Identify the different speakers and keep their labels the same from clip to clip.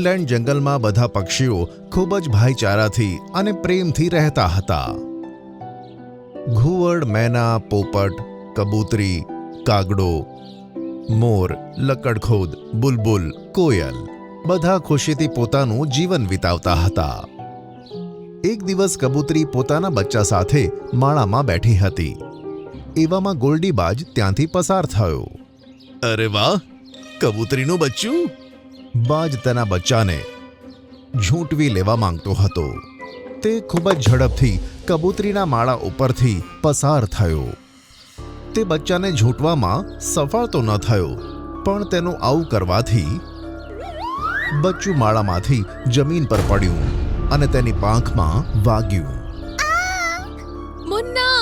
Speaker 1: Greenland જંગલમાં બધા પક્ષીઓ ખૂબ જ ભાઈચારાથી અને પ્રેમથી રહેતા હતા. ઘુવડ, મેના, પોપટ, કબૂતરી, કાગડો, મોર, લકડખોદ, બુલબુલ, કોયલ બધા ખુશીથી પોતાનું જીવન વિતાવતા હતા. એક દિવસ કબૂતરી પોતાના બચ્ચા સાથે માળામાં બેઠી હતી. એવામાં ગોલ્ડીબાજ ત્યાંથી પસાર થયો. અરે વાહ, કબૂતરીનું બચ્ચું! બાજ તેના બચ્ચાને ઝૂંટવી લેવા માંગતો હતો. તે ખૂબ જ ઝડપથી કબૂતરીના માળા ઉપરથી પસાર થયો. તે બચ્ચાને ઝૂંટવામાં સફળ તો ન થયો, પણ તેનું આવું કરવાથી બચ્ચું માળામાંથી જમીન પર પડ્યું અને તેની પાંખમાં વાગ્યું.
Speaker 2: મુન્ના!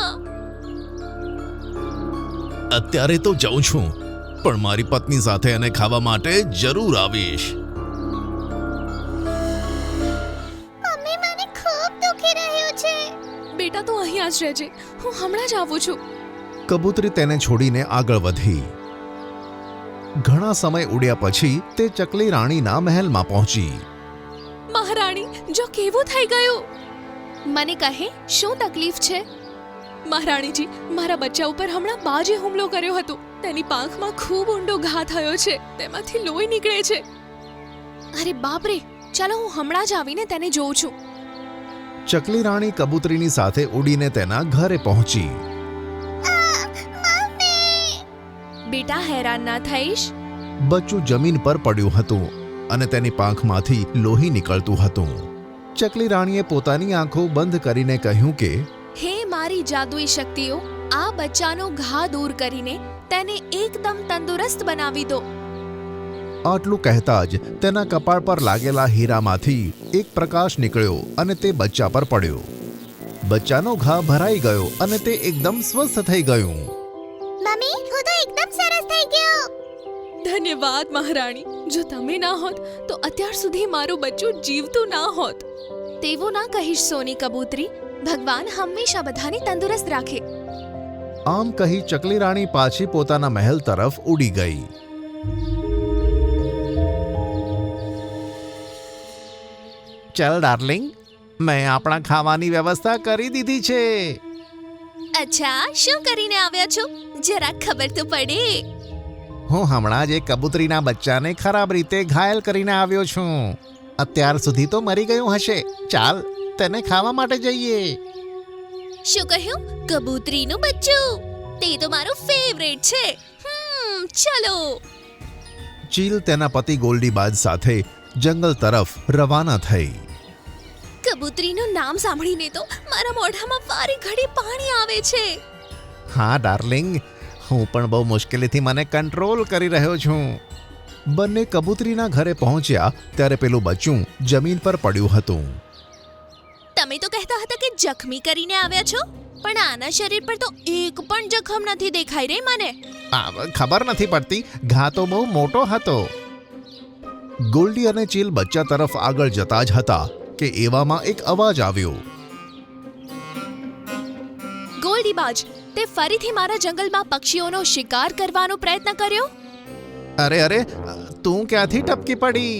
Speaker 1: અત્યારે તો જાઉં છું, પણ મારી પત્ની સાથે એને ખાવા માટે જરૂર આવીશ.
Speaker 2: મમ્મી, મને ખૂબ દુખી રહ્યું છે. બેટા, તું અહીંયા જ રહેજે, હું હમણાં જ આવું છું.
Speaker 1: કબૂતરી તેને છોડીને આગળ વધી. ઘણા સમય ઉડ્યા પછી તે ચકલી રાણીના મહેલમાં પહોંચી.
Speaker 2: મહારાણી, જો કેવું થઈ ગયું? મને કહે, શું તકલીફ છે? મહારાણીજી, મારા બચ્ચા ઉપર હમણાં બાજે હુમલો કર્યો હતો. તેની પાંખમાં ખૂબ ઊંડો ઘા થયો છે. તેમાંથી લોહી નીકળે છે. અરે બાપ રે! ચાલો હું હમણાં જ આવીને તેને જોઉં છું.
Speaker 1: ચકલી રાણી કબૂતરીની સાથે ઉડીને તેના ઘરે પહોંચી.
Speaker 2: બેટા, હેરાન ના થઈશ.
Speaker 1: બચ્ચું જમીન પર પડ્યું હતું અને તેની પાંખમાંથી લોહી નીકળતું હતું. ચકલી રાણીએ પોતાની આંખો બંધ કરીને કહ્યું કે,
Speaker 2: હે મારી જાદુઈ શક્તિઓ, આ બચ્ચાનો ઘા દૂર કરીને તેને એકદમ તંદુરસ્ત બનાવી દો.
Speaker 1: આટલું કહેતા જ તેના કપાળ પર લાગેલા હીરામાંથી એક પ્રકાશ નીકળ્યો અને તે બચ્ચા પર પડ્યો. બચ્ચાનો ઘા ભરાઈ ગયો અને તે એકદમ સ્વસ્થ થઈ ગયું.
Speaker 2: મમ્મી, હું તો એકદમ સરસ થઈ ગયો. ધન્યવાદ મહારાણી. જો તમે ના હોત તો અત્યાર સુધી મારું બચ્ચું જીવતું ના હોત. તેવું ના કહીશ સોની કબૂતરી. ભગવાન હંમેશા બધાને તંદુરસ્ત રાખે.
Speaker 1: આમ કહી ચકલી રાણી પાછી પોતાના મહેલ તરફ ઉડી ગઈ. ચલ ડાર્લિંગ, મેં આપણા ખાવાની વ્યવસ્થા કરી દીધી છે.
Speaker 2: અચ્છા, શું કરીને આવ્યા છો? જરા ખબર તો પડે.
Speaker 1: હું હમણાં જ એક કબૂતરીના બચ્ચાને ખરાબ રીતે ઘાયલ કરીને આવ્યો છું. અત્યાર સુધી તો મરી ગયું હશે. ચાલ, તેને ખાવા માટે જઈએ.
Speaker 2: શું કહ્યું? કબૂતરીનું બચ્ચું? તે તો મારું ફેવરેટ છે. ચલો.
Speaker 1: ચીલ તેના પતિ ગોલ્ડીબાજ સાથે જંગલ તરફ રવાના થઈ.
Speaker 2: કબૂતરીનું નામ સાંભળીને તો મારા મોઢામાં વારે ઘડી પાણી આવે છે.
Speaker 1: હા ડાર્લિંગ, હું પણ બહુ મુશ્કેલીથી મને કંટ્રોલ કરી રહ્યો છું. બંને કબૂતરીના ઘરે પહોંચ્યા ત્યારે પેલું બચ્ચું જમીન પર પડ્યું હતું.
Speaker 2: તમે તો કહેતા હતા કે જખમી કરીને આવ્યા છો, પણ આના શરીર પર તો એક પણ જખમ નથી દેખાઈ રહી મને.
Speaker 1: ખબર નથી પડતી, ઘા તો બહુ મોટો હતો. ગોલ્ડી અને ચીલ બચ્ચા તરફ આગળ જતા જ હતા કે એવામાં એક અવાજ આવ્યો.
Speaker 2: ગોલ્ડીબાજ, તે ફરીથી મારા જંગલમાં પક્ષીઓનો શિકાર કરવાનો પ્રયત્ન કર્યો?
Speaker 1: અરે અરે, તું ક્યાંથી ટપકી પડી?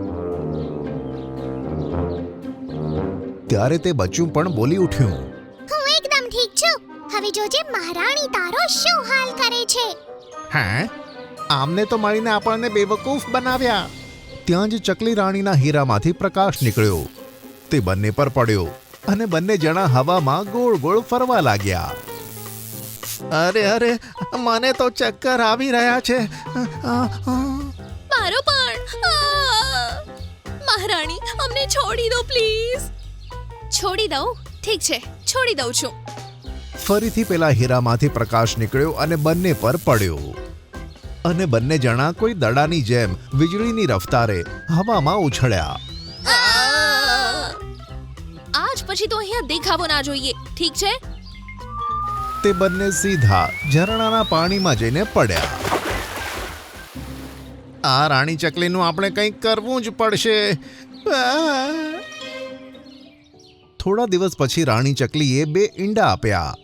Speaker 1: ત્યારે તે બચ્ચું પણ બોલી ઉઠ્યું.
Speaker 2: હું એકદમ ઠીક છું. હવે જોજે મહારાણી તારો શું હાલ કરે છે.
Speaker 1: હા, આમને તો મળીને આપણને બેવકૂફ બનાવ્યા. ત્યાં જ ચકલી રાણીના હીરામાંથી પ્રકાશ નીકળ્યો. તે બંને પર પડ્યો અને બંને જણા હવામાં ગોળ ગોળ ફરવા લાગ્યા. અરે અરે, મને તો ચક્કર આવી રહ્યા છે.
Speaker 2: મારો પણ. મહારાણી, અમને છોડી દો પ્લીઝ. છોડી દઉં? ઠીક છે, છોડી દઉં છું.
Speaker 1: ફરીથી પેલા હીરામાંથી પ્રકાશ નીકળ્યો અને બંને પર પડ્યો અને બંને જણા કોઈ દડાની જેમ વીજળીની રફતારે હવામાં ઉછળ્યા.
Speaker 2: આજ પછી તો અહીંયા દેખાવો ના જોઈએ. ઠીક છે?
Speaker 1: તે બંને સીધા ઝરણાના પાણીમાં જઈને પડ્યા. આ રાણી ચકલીનું આપણે કંઈક કરવું જ પડશે. થોડા દિવસ પછી રાણી ચકલીએ 2 ઈંડા આપ્યા.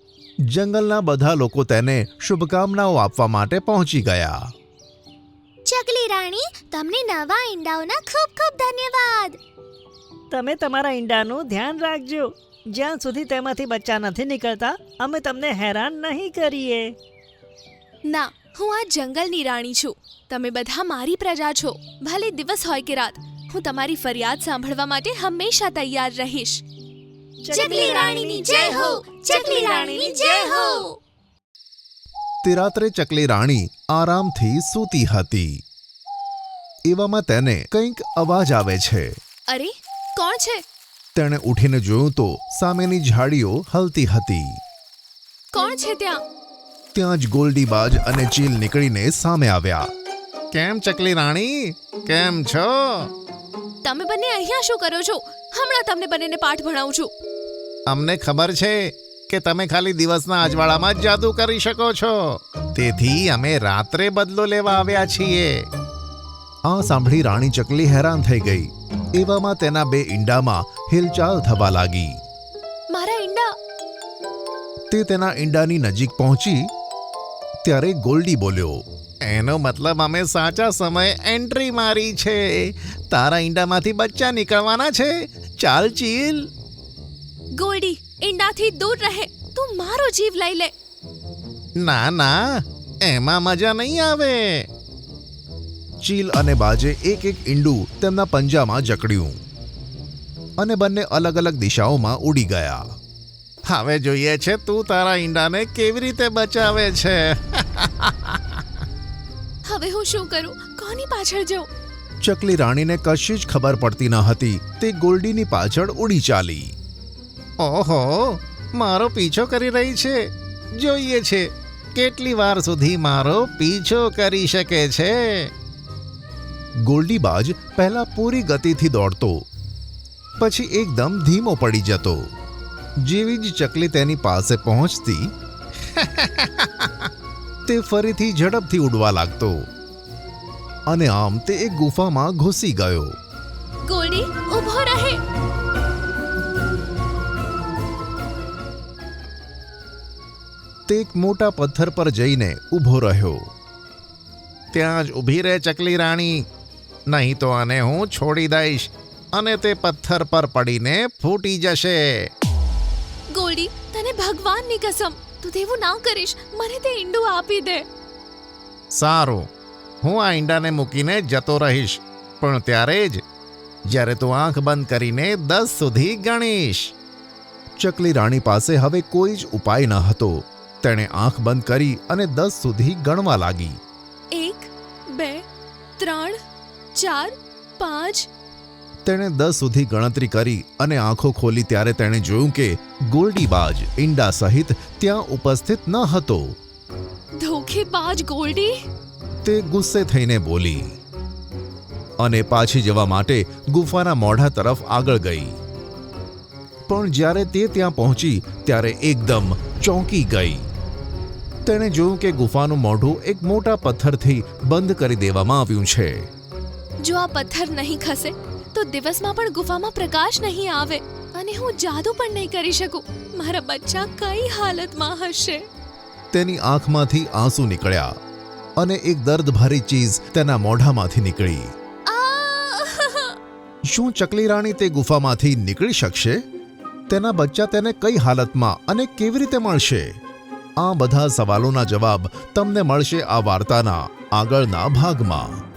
Speaker 1: જંગલના બધા લોકો તેને શુભકામનાઓ આપવા માટે પહોંચી ગયા.
Speaker 2: ચકલી રાણી, તમને નવા ઈંડાઓના ખૂબ ખૂબ ધન્યવાદ.
Speaker 3: તમે તમારા ઈંડાનું ધ્યાન રાખજો. જ્યાં સુધી તેમાંથી બચ્ચા નથી નીકળતા અમે તમને હેરાન નહીં કરીએ.
Speaker 2: ના, હું આ જંગલની રાણી છું. તમે બધા મારી પ્રજા છો. ભલે દિવસ હોય કે રાત, હું તમારી ફરિયાદ સાંભળવા માટે હંમેશા તૈયાર રહીશ. ચકલી રાણીની જય હો! ચકલી રાણીની જય હો!
Speaker 1: તે રાત્રે ચકલી રાણી આરામથી સૂતી હતી. એવામાં તેને કંઈક અવાજ આવે છે.
Speaker 2: અરે, કોણ છે?
Speaker 1: તેણે ઉઠીને જોયું તો સામેની ઝાડીઓ હલતી હતી.
Speaker 2: કોણ છે ત્યાં?
Speaker 1: ત્યાં જ ગોલ્ડીબાજ અને ચીલ નીકળીને સામે આવ્યા. કેમ ચકલી રાણી, કેમ છો?
Speaker 2: તમે બંને અહીંયા શું કરો છો? હમણાં તમને બંનેને પાઠ ભણાવું છું.
Speaker 1: અમને ખબર છે કે તમે ખાલી દિવસના અજવાળામાં જ જાદુ કરી શકો છો, તેથી અમે રાત્રે બદલો લેવા આવ્યા છીએ. આ સાંભળી રાણી ચકલી હેરાન થઈ ગઈ. એવામાં તેના બે ઈંડામાં હિલચાલ થવા લાગી.
Speaker 2: મારા ઈંડા!
Speaker 1: તે તેના ઈંડાની નજીક પહોંચી ત્યારે ગોલ્ડી બોલ્યો, એનો મતલબ અમે સાચા સમયે એન્ટ્રી મારી છે. તારા ઈંડામાંથી બચ્ચા નીકળવાના છે. ચાલ ચીલ.
Speaker 2: ગોલ્ડી, ઈંડાથી દૂર રહે. તું મારો જીવ લઈ લે.
Speaker 1: ના ના, એમાં મજા નહીં આવે. ચીલ અને બાજે એક એક ઈંડું તેમના પંજામાં જકડ્યું અને બંને અલગ અલગ દિશાઓમાં ઉડી ગયા. હવે જોઈએ છે તું તારા ઈંડાને કેવી રીતે બચાવે છે.
Speaker 2: હવે હું શું કરું? કોની પાછળ જાઉં?
Speaker 1: ચકલી રાણીને કશી જ ખબર પડતી ન હતી. તે ગોલ્ડીની પાછળ ઉડી ચાલી. ઓહો, મારો પીછો કરી રહી છે. જોઈએ છે કેટલી વાર સુધી મારો પીછો કરી શકે છે. ગોલ્ડીબાજ પહેલા પૂરી ગતિથી દોડતો, પછી એકદમ ધીમો પડી જતો. જેવી જ ચકલી તેની પાસે પહોંચતી તે ફરીથી ઝડપથી ઉડવા લાગતો અને આમ તે એક ગુફામાં ઘૂસી ગયો.
Speaker 2: ગોલ્ડી, ઊભો રહે.
Speaker 1: તે એક મોટા પથ્થર પર જઈને ઊભો રહ્યો. ત્યાં જ ઊભી રહે ચકલી રાણી, નહીં તો આને હું છોડી દઈશ અને તે પથ્થર પર પડીને ફૂટી જશે.
Speaker 2: ગોલ્ડી, તને ભગવાનની કસમ, તું તેવું ના કરીશ. મને તે ઈંડું આપી દે.
Speaker 1: સારું, હું આ ઈંડાને મૂકીને જતો રહીશ, પણ ત્યારે જ જ્યારે તું આંખ બંધ કરીને 10 સુધી ગણીશ. ચકલી રાણી પાસે હવે કોઈ જ ઉપાય ન હતો. તેણે આંખ બંધ કરી અને 10 સુધી ગણવા લાગી.
Speaker 2: 1, 2, 3, 4, 5.
Speaker 1: તેણે 10 સુધી ગણતરી કરી અને આંખો ખોલી ત્યારે તેણે જોયું કે ગોલ્ડીબાજ ઈંડા સહિત ત્યાં ઉપસ્થિત ન હતો.
Speaker 2: ધોખેબાજ ગોલ્ડી!
Speaker 1: તે ગુસ્સે થઈને બોલી અને પાછી જવા માટે ગુફાના મોઢા તરફ આગળ ગઈ. પણ જ્યારે તે ત્યાં પહોંચી ત્યારે એકદમ ચોંકી ગઈ. તેણે જોયું કે ગુફાનું મોઢું એક મોટા પથ્થરથી બંધ કરી દેવામાં આવ્યું છે.
Speaker 2: જો આ પથ્થર નહીં ખસે તો દિવસમાં પણ ગુફામાં પ્રકાશ નહીં આવે અને હું જાદુ પણ નહીં કરી શકું. મારા બચ્ચા કઈ હાલતમાં હશે?
Speaker 1: તેની આંખમાંથી આંસુ નીકળ્યા અને એક દર્દભરી ચીઝ તેના મોઢામાંથી નીકળી. શું ચકલી રાણી તે ગુફામાંથી નીકળી શકશે? તેના બચ્ચા તેને કઈ હાલતમાં અને કેવી રીતે મળશે? આ બધા સવાલોના જવાબ તમને મળશે આ વાર્તાના આગળના ભાગમાં.